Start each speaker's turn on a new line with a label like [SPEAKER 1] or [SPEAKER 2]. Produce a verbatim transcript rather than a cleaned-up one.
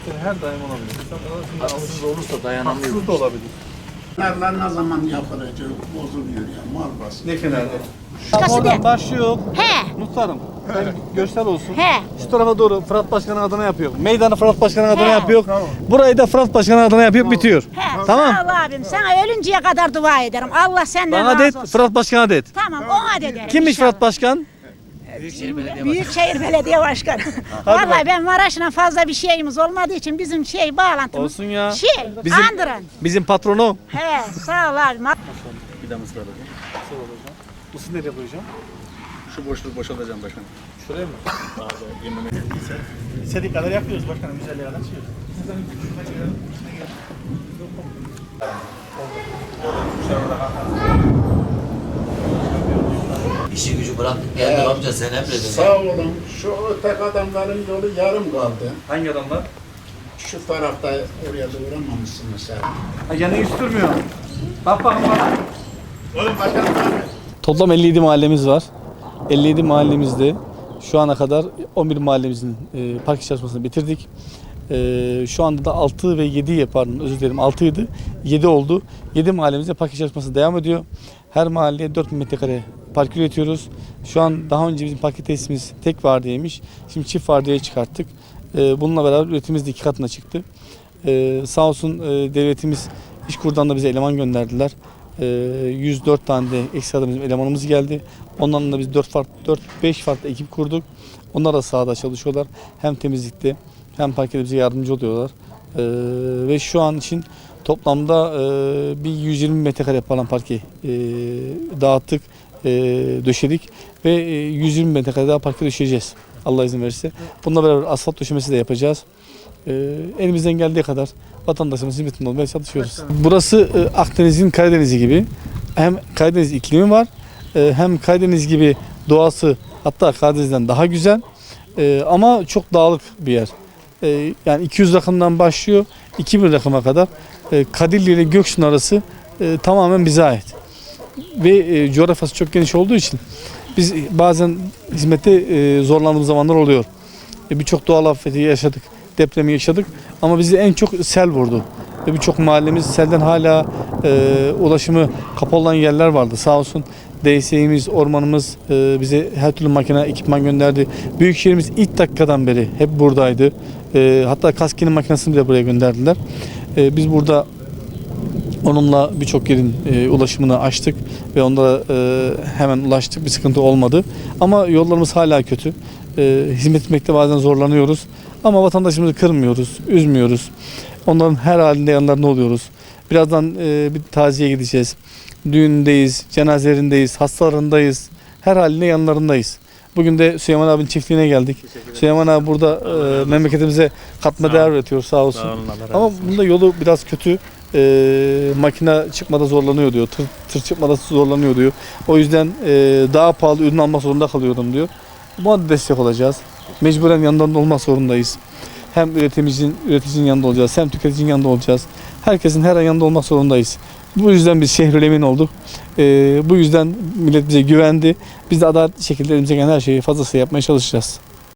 [SPEAKER 1] Her daim olabilir. Sen
[SPEAKER 2] Haksız olursa dayanamıyor.
[SPEAKER 1] haksız da olabilir.
[SPEAKER 3] Kenarlar ne zaman yapılacak? Bozuluyor ya, mal basın.
[SPEAKER 1] Ne kenarda?
[SPEAKER 4] Başkası
[SPEAKER 1] Oradan
[SPEAKER 4] de.
[SPEAKER 1] başlıyor.
[SPEAKER 4] He.
[SPEAKER 1] Muhtarım. Hem görsel olsun.
[SPEAKER 4] He.
[SPEAKER 1] Şu tarafa doğru Fırat Başkan'ın adına yapıyor. Meydanı Fırat Başkan'ın adına
[SPEAKER 4] He.
[SPEAKER 1] yapıyor. Burayı da Fırat Başkan'ın adına yapıyor, bitiyor.
[SPEAKER 4] He,
[SPEAKER 1] Tamam.
[SPEAKER 4] Sağ ol abim. Sana ölünceye kadar dua ederim. Allah senden
[SPEAKER 1] Bana
[SPEAKER 4] razı
[SPEAKER 1] det,
[SPEAKER 4] olsun.
[SPEAKER 1] Fırat Başkan'a det.
[SPEAKER 4] Tamam ona da ederim.
[SPEAKER 1] Kimmiş
[SPEAKER 4] inşallah.
[SPEAKER 1] Fırat Başkan?
[SPEAKER 4] Büyükşehir Belediye Başkanı.
[SPEAKER 1] Hadi
[SPEAKER 4] Vallahi ben Maraş'la fazla bir şeyimiz olmadığı için bizim şey bağlantımız.
[SPEAKER 1] Olsun ya.
[SPEAKER 4] Şey,
[SPEAKER 1] Bizim,
[SPEAKER 4] andıran.
[SPEAKER 1] bizim patronu.
[SPEAKER 4] He, sağ ol abim.
[SPEAKER 2] Bir de mısır alacağım.
[SPEAKER 1] Mısır nereye koyacağım?
[SPEAKER 2] Şu boşluğu boşaltacağım başkanım.
[SPEAKER 1] Şuraya mı?
[SPEAKER 2] Abi yemin
[SPEAKER 1] İstediği kadar yapıyoruz başkanım. Güzelliğe kadar çıkıyoruz.
[SPEAKER 5] İşi gücü bıraktık geldik amca sen emredin.
[SPEAKER 3] Sağ olun, şu tek adamların yolu yarım kaldı.
[SPEAKER 1] Hangi adamlar?
[SPEAKER 3] Şu tarafta oraya doğramamışsınız sen.
[SPEAKER 1] Ha, yani hiç durmuyor. Bak bakın bak.
[SPEAKER 3] Oğlum bakalım abi.
[SPEAKER 1] Toplam elli yedi mahallemiz var. elli yedi mahallemizde şu ana kadar on bir mahallemizin e, park çalışmasını bitirdik. E, şu anda da altı ve yedi pardon özür dilerim altıydı. yedi oldu. yedi mahallemizde park çalışması devam ediyor. Her mahalleye dört bin metrekare park üretiyoruz. Şu an daha önce bizim park tesisimiz tek vardiyaymış. Şimdi çift vardiyaya çıkarttık. E, bununla beraber üretimimiz de iki katına çıktı. E, sağ olsun e, devletimiz İşkur'dan da bize eleman gönderdiler. yüz dört tane de ekstra bizim elemanımız geldi. Onlarla da biz dört farklı dört beş farklı ekip kurduk. Onlar da sahada çalışıyorlar. Hem temizlikte hem parkede bize yardımcı oluyorlar. Ee, ve şu an için toplamda e, bir yüz yirmi metrekare falan parke e, dağıttık, e, döşedik ve e, yüz yirmi metrekare daha parke döşeyeceğiz. Allah izin verirse. Bununla beraber asfalt döşemesi de yapacağız. E, elimizden geldiği kadar vatandaşımızın hizmetinde olmaya çalışıyoruz. Burası e, Akdeniz'in Karadeniz'i gibi. Hem Karadeniz iklimi var, e, hem Karadeniz gibi doğası hatta Karadeniz'den daha güzel. E, ama çok dağlık bir yer. E, yani iki yüz rakımdan başlıyor, iki bin rakıma kadar. E, Kadirli ile Göksun arası e, tamamen bize ait. Ve e, coğrafyası çok geniş olduğu için biz bazen hizmette e, zorlandığımız zamanlar oluyor. E, Birçok doğal afeti yaşadık. Depremi yaşadık ama bizi en çok sel vurdu. Ve birçok mahallemiz selden hala e, ulaşımı kapalı olan yerler vardı. Sağ olsun D S İ'miz, ormanımız e, bize her türlü makine, ekipman gönderdi. Büyükşehir'imiz ilk dakikadan beri hep buradaydı. E, hatta kaskinin makinesini bile buraya gönderdiler. E, biz burada onunla birçok yerin e, ulaşımını açtık ve onlara e, hemen ulaştık. Bir sıkıntı olmadı. Ama yollarımız hala kötü. E, hizmet etmekte bazen zorlanıyoruz. Ama vatandaşımızı kırmıyoruz, üzmüyoruz. Onların her halinde yanlarında oluyoruz. Birazdan e, bir taziye gideceğiz. Düğündeyiz, cenazelerindeyiz, hastalarındayız. Her halinde yanlarındayız. Bugün de Süleyman abinin çiftliğine geldik. Süleyman abi burada e, memleketimize katma değer üretiyor sağ olsun.
[SPEAKER 2] Sağ olun, Allah razı
[SPEAKER 1] Ama
[SPEAKER 2] olsun.
[SPEAKER 1] bunda yolu biraz kötü. E, makine çıkmada zorlanıyor diyor. Tır, tır çıkmada zorlanıyor diyor. O yüzden e, daha pahalı ürün almak zorunda kalıyorum diyor. Buna da destek olacağız. Mecburen yanlarında olmak zorundayız. Hem üreticinin, üreticinin yanında olacağız, hem tüketicinin yanında olacağız. Herkesin her an yanında olmak zorundayız. Bu yüzden biz Şehrül Emin olduk. Ee, bu yüzden millet bize güvendi. Biz de adaletli şekilde elimizden gelen her şeyi fazlasıyla yapmaya çalışacağız.